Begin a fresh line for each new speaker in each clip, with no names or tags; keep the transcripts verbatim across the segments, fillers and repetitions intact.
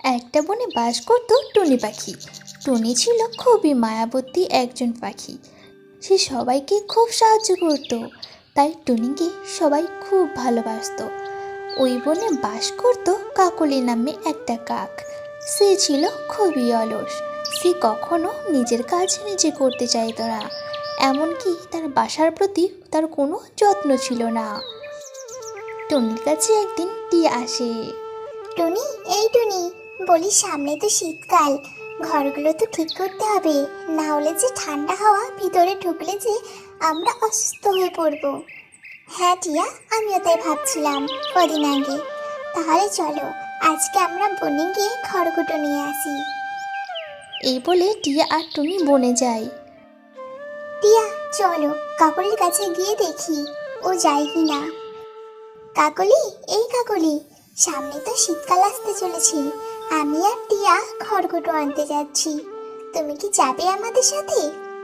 একটা বনে বাস করত টুনি পাখি। টুনি ছিল খুবই মায়াবতী একজন পাখি। সে সবাইকে খুব সাহায্য করত, তাই টুনিকে সবাই খুব ভালোবাসতো। ওই বনে বাস করত কাকলি নামে একটা কাক। সে ছিল খুবই অলস। সে কখনো নিজের কাজ নিজে করতে চাইতো না, এমনকি তার বাসার প্রতি তার কোনো যত্ন ছিল না। টুনির কাছে একদিন টিয়া আসে।
টুনি, এই টুনি, বলি সামনে তো শীতকাল, ঘরগুলো তো ঠিক করতে হবে, না হলে যে ঠান্ডা হাওয়া ভিতরে ঢুকলে যে আমরা অসুস্থ হয়ে পড়ব। হ্যাঁ টিয়া, আমিও তাই ভাবছিলাম কদিন আগে। তাহলে চলো আজকে আমরা বনে গিয়ে খড়কুটো নিয়ে আসি।
এই বলে টিয়া আর টুনি বনে যায়।
টিয়া, চলো কাকলির কাছে গিয়ে দেখি ও যায় কি না। কাকলি, এই কাকলি, সামনে তো শীতকাল আসতে চলেছে, আমি আর টিয়া খড়কুটো আনতে যাচ্ছি, তুমি কি যাবে আমাদের সাথে?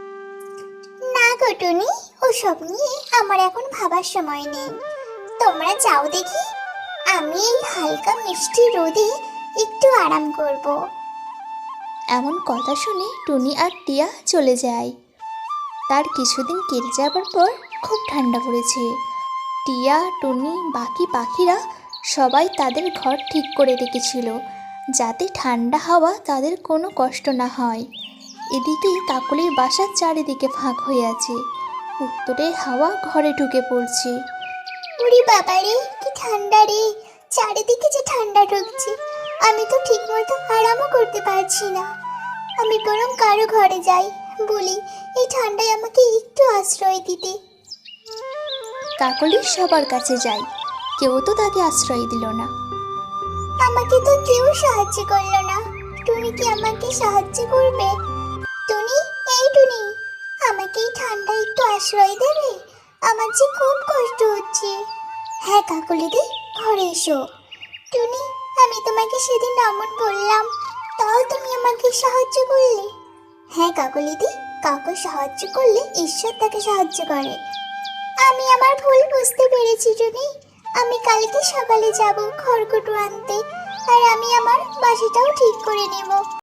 না গো টুনি, ওসব নিয়ে আমার এখন ভাবার সময় নেই, তোমরা যাও দেখি, আমি এই হালকা মিষ্টি রোদে একটু আরাম করব।
এমন কথা শুনে টুনি আর টিয়া চলে যায়। তার কিছুদিন কেটে যাবার পর খুব ঠান্ডা পড়েছে। টিয়া, টুনি, বাকি পাখিরা সবাই তাদের ঘর ঠিক করে রেখেছিল, যাতে ঠান্ডা হাওয়া তাদের কোনো কষ্ট না হয়। এদিকে কাকলির বাসার চারিদিকে ফাঁক হয়ে আছে। উত্তরের হাওয়া ঘরে ঢুকে পড়ছে।
উরি বাবারে, কি ঠান্ডা রে, চারিদিকে যে ঠান্ডা ঢুকছে, আমি তো ঠিক মতো আরামও করতে পারছি না। আমি বরং কারো ঘরে যাই, বলি এই ঠান্ডায় আমাকে একটু আশ্রয় দিতে।
কাকলি সবার কাছে যায়, কেউ তো তাকে আশ্রয় দিল না।
আমাকে তো কেউ সাহায্য করলো না, তুমি কি আমাকে সাহায্য করবে? টুনি, এই টুনি, আমাকে এই ঠান্ডায় একটু আশ্রয় দেবে, আমার যে খুব কষ্ট হচ্ছে। হ্যাঁ কাকলিদি, ঘরে এসো। টুনি, আমি তোমাকে সেদিন এমন বললাম, তাও তুমি আমাকে সাহায্য করলে। হ্যাঁ কাকলিদি, কাউকে সাহায্য করলে ঈশ্বর তাকে সাহায্য করে। আমি আমার ভুল বুঝতে পেরেছি টুনি, আমি কালকে সকালে যাব খড়কুটো আনতে, আর আমি আমার বাসাটাও ঠিক করে নেব।